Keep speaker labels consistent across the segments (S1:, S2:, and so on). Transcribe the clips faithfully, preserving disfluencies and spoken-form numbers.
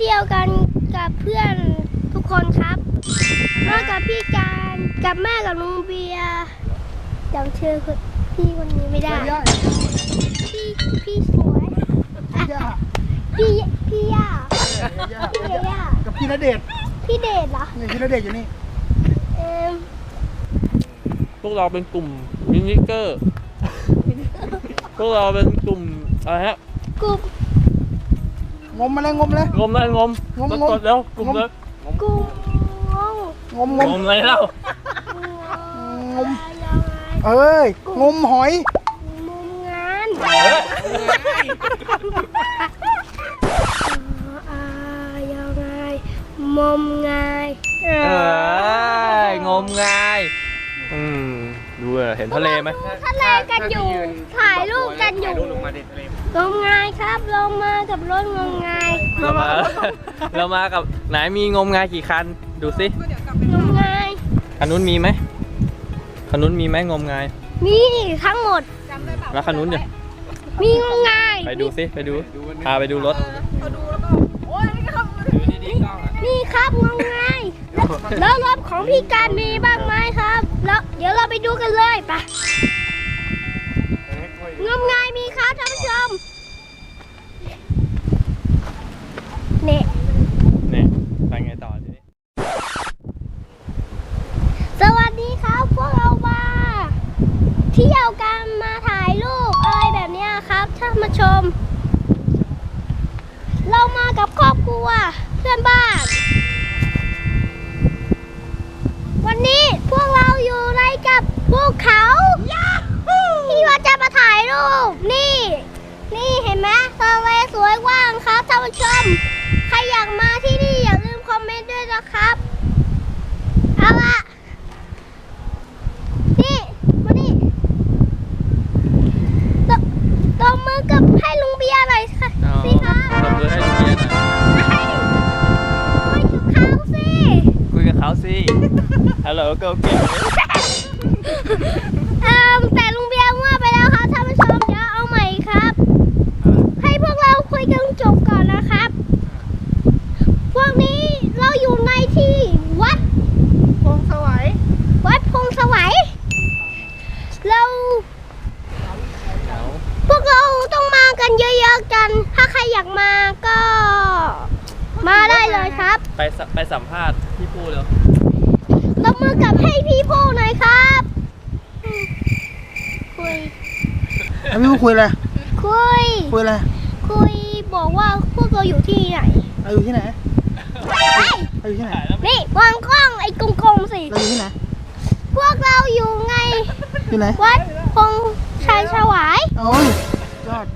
S1: ที่ยวกันกับเพื่อนทุกคนครับมากับพี่การกับแม่กับลุงเบียร์จำชื่อพี่คนนี้ไม่ได้พี่พี่สวยพี่พี่ย่าพี่ย่า
S2: กับพี่ณเดชน์
S1: พี่เดชเหรอ
S2: นี่พี่ณเดชน์อยู่นี่
S1: เออ
S3: พวกเราเป็นกลุ่มมินิเกอร์พวกเราเป็นกลุ่มอะไรฮะ
S1: กลุ่ม
S2: งมมาเลยงมเลย
S3: งมเลยงม
S2: งมงม
S3: แล้วกลุ่มเลย
S1: กลุ่ม
S2: งมงม
S3: งมอะไรเล่าง
S2: มเอ้ยงมหอย
S1: งมงานยังไงมมงาย
S3: เอ้ยงมงายอืมดูเห็นทะเลไหม
S1: ทะเลกันอยู่ถ่ายรูปกันอยู่งมงายครับลงมากับรถงมงาย
S3: เรามาเรามากับไหนมีงมงายกี่คันดูสิ
S1: งมงาย
S3: คันนู้นมีไหมคันนู้นมีไหมงมงาย
S1: มีทั้งหมด
S3: แล้วคันนู้นเดี๋ยว
S1: มีงมงาย
S3: ไปดูสิไปดูพาไปดูรถ
S1: นี่ครับงมงายแล้วรถของพี่การมีบ้างไหมครับแล้วเดี๋ยวเราไปดูกันเลยไปงมงายมีครับท่านผู้ชมเนี่ย
S3: เนี่ยไปไงต่อทีนี้
S1: สวัสดีครับพวกเรามาเที่ยวกันมาถ่ายรูปอะไรแบบนี้ครับท่านผู้ชมเรามากับครอบครัวเพื่อนบ้านวันนี้พวกเราอยู่ในกับภูเขาที่ว่าจะมาถ่ายรูปนี่นี่เห็นไหมทะเลสวยกว้างครับท่านผู้ชมใครอยากมาที่นี่อย่าลืมคอมเมนต์ด้วยนะครับเอาละนี่มานี่ตบตบมือกับให้ลุงเบียร์หน่อยค่ะสิคะ
S3: ตบมือให้ลุงเบียร์หน่อย
S1: คุยกับเขาสิ
S3: คุยกับเขาสิฮัลโหลก็เก่ง
S1: เอ่อแต่ลุงเบียร์มั่วไปแล้วครับท่านผู้ชมเดี๋ยวเอาใหม่ครับให้พวกเราคุยกันจบก่อนนะครับพวกนี้เราอยู่ในที่วัด
S2: พงสวัย
S1: วัดพงสวัยเราพวกเราต้องมากันเยอะๆกันถ้าใครอยากมาก็มาได้เลยครับ
S3: ไปไปสัมภาษณ์พี่ปูเลย
S1: ตบมือกับให้พี่พูหน่อยครับคุย
S2: พี่พูคุยอะไร
S1: คุย
S2: คุยอะไร
S1: คุยบอกว่าพวกเราอยู่ที่ไหน
S2: เราอยู่ที่ไหนเราอยู่ที่ไหน
S1: นี่วางกล้องไอ้กลมๆสิ
S2: เราอยู่ที่ไหน
S1: พวกเราอยู่ไง
S2: อยู่ไหน
S1: วัดพงชัยฉวาย
S2: โอ้ยยอด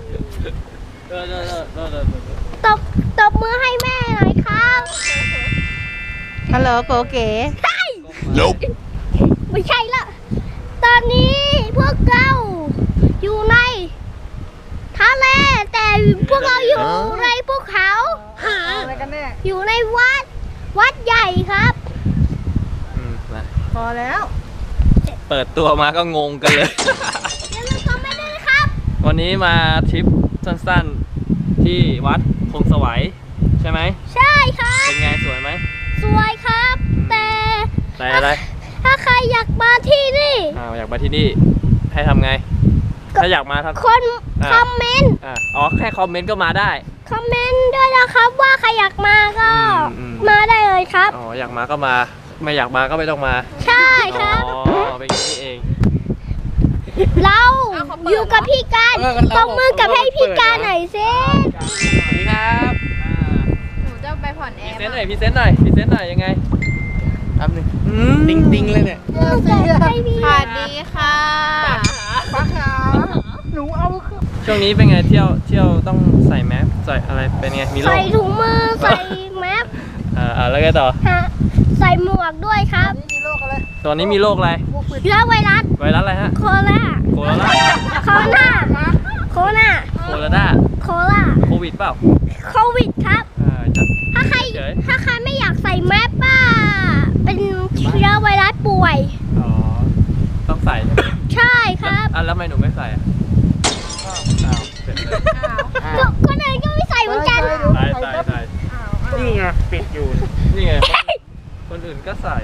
S1: ตบตบมือให้แม่หน่อยครับ
S4: ฮัลโหลโกเก๋
S1: ใช่ไม่ใช่ละตอนนี้พวกเราอยู่ในทะเลแต่พวกเราอยู่ในภูเขา
S2: อะไรกันแน่
S1: อยู่ในวัดวัดใหญ่ครับ
S4: พอแล้ว
S3: เปิดตัวมาก็งงกันเลย
S1: อย่าลืมคอมเมนต์ด้วยนะครับ
S3: วันนี้มาทริปสั้นๆที่วัดพงสวัยใช่ไหม
S1: ใช่ครับ
S3: เป็นไงสวยไหม
S1: สวยครับแต่
S3: แต่อะไร
S1: ถ้าใครอยากมาที่นี่
S3: อ่าอยากมาที่นี่ให้ทำไงถ้าอยากมาทำ
S1: คนคอมเมนต์
S3: อ๋อแค่คอมเมนต์ก็มาได้
S1: คอมเมนต์ด้วยนะครับว่าใครอยากมาก็มาได้เลยครับ
S3: อ๋ออยากมาก็มาไม่อยากมาก็ไม่ต้องมา
S1: ใช่ครับ
S3: อ๋อเป็นอย่างนี้เอง
S1: เราอยู่กับพี่การตบมือกับให้พี่การหน่อยสิ
S3: สวัสดีครับ
S4: หนูจะไปผ่อนแอร์
S3: พรีเซนต์หน่อยพรีเซนต์หน่อยพรีเซนต์หน่อยยังไงทำหนึ่งติงติงเลยเนี่ย
S4: สวัสดีค่ะ
S2: ปาขาหนูเอา
S3: ช่วงนี้เป็นไงเที่ยวเที่ยวต้องใส่แมสใส่อะไรเป็นไงมีโรค
S1: ใส่ถุงมือใส่แมส
S3: อ่าแล้วไงต่อ
S1: ใส่หมวกด้วยครับ
S2: มีโรคอะไร
S3: ตอนนี้มีโรคอะไร
S1: เชื้อไวรัส
S3: ไวรัสอะไรฮะ
S1: โคโรนา
S3: โคโรนา
S1: โคโรนาโคโรนา
S3: โคโรนา
S1: โคโรนา
S3: โควิดเปล่า
S1: โควิดครับถ้าใครถ้าใครไม่อยากใส่แมสป้าเป็นเชื้อไวรัสป่วย
S3: อ๋อต้องใส่
S1: ใช่ครับ
S3: อ่ะแล้วทำไมหนูไม่ใส่อ่ะอ้าวเสร็จเลย
S1: คนอื่นก็ไม่ใส่เหมือนกัน
S3: ใส่ใส่ใส่ปิดอยู่ นี่ไง คนอื่นก็ใส่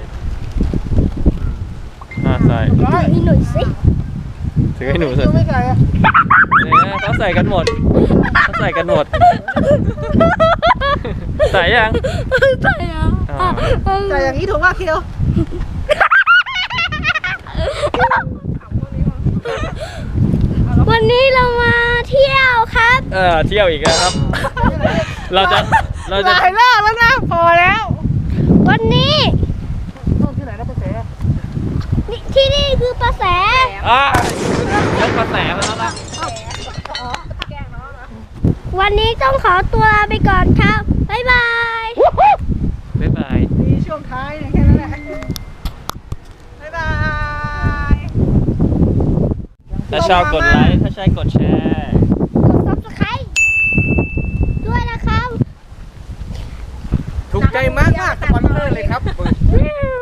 S3: อ่าใส่
S2: ร้อย
S1: นี่หน่อยสิ
S3: ถือให้หนูใส่
S2: ไม่ใส่อะ
S3: เนี่ยเขาใส่กันหมดเขาใส่กันหมด ใส่ยัง
S1: ใส่อ่ะ
S3: อ่า
S4: แต่อย่างนี้ถูกป่ะคิว
S1: วันนี้เรามาเที่ยวครับ
S3: เออเที่ยวอีกแล้วครับ เราจะเรา
S4: ห
S3: จะ
S4: ลายรอบแล้วนะ พอแล้ว
S1: วันนี้
S2: ต้องที่ไหนนะเป็นแส
S1: นี่ที่นี่คือประแส
S3: อ่ายกกระแสมาแล้วนะ
S1: วันนี้ต้องขอตัวลาไปก่อนครับ บ๊ายบาย
S3: บ๊ายบาย
S4: มีช่วงท้ายเนี่ยแค่นั้นแหละ บ๊ายบาย
S3: ถ้าชอบกดไลค์ ถ้าใช่กดแชร์
S1: กด ซับสไครบ์ ด้วยนะครับ
S2: ถูกใจมากมากสปอนเซอร์เลยครับ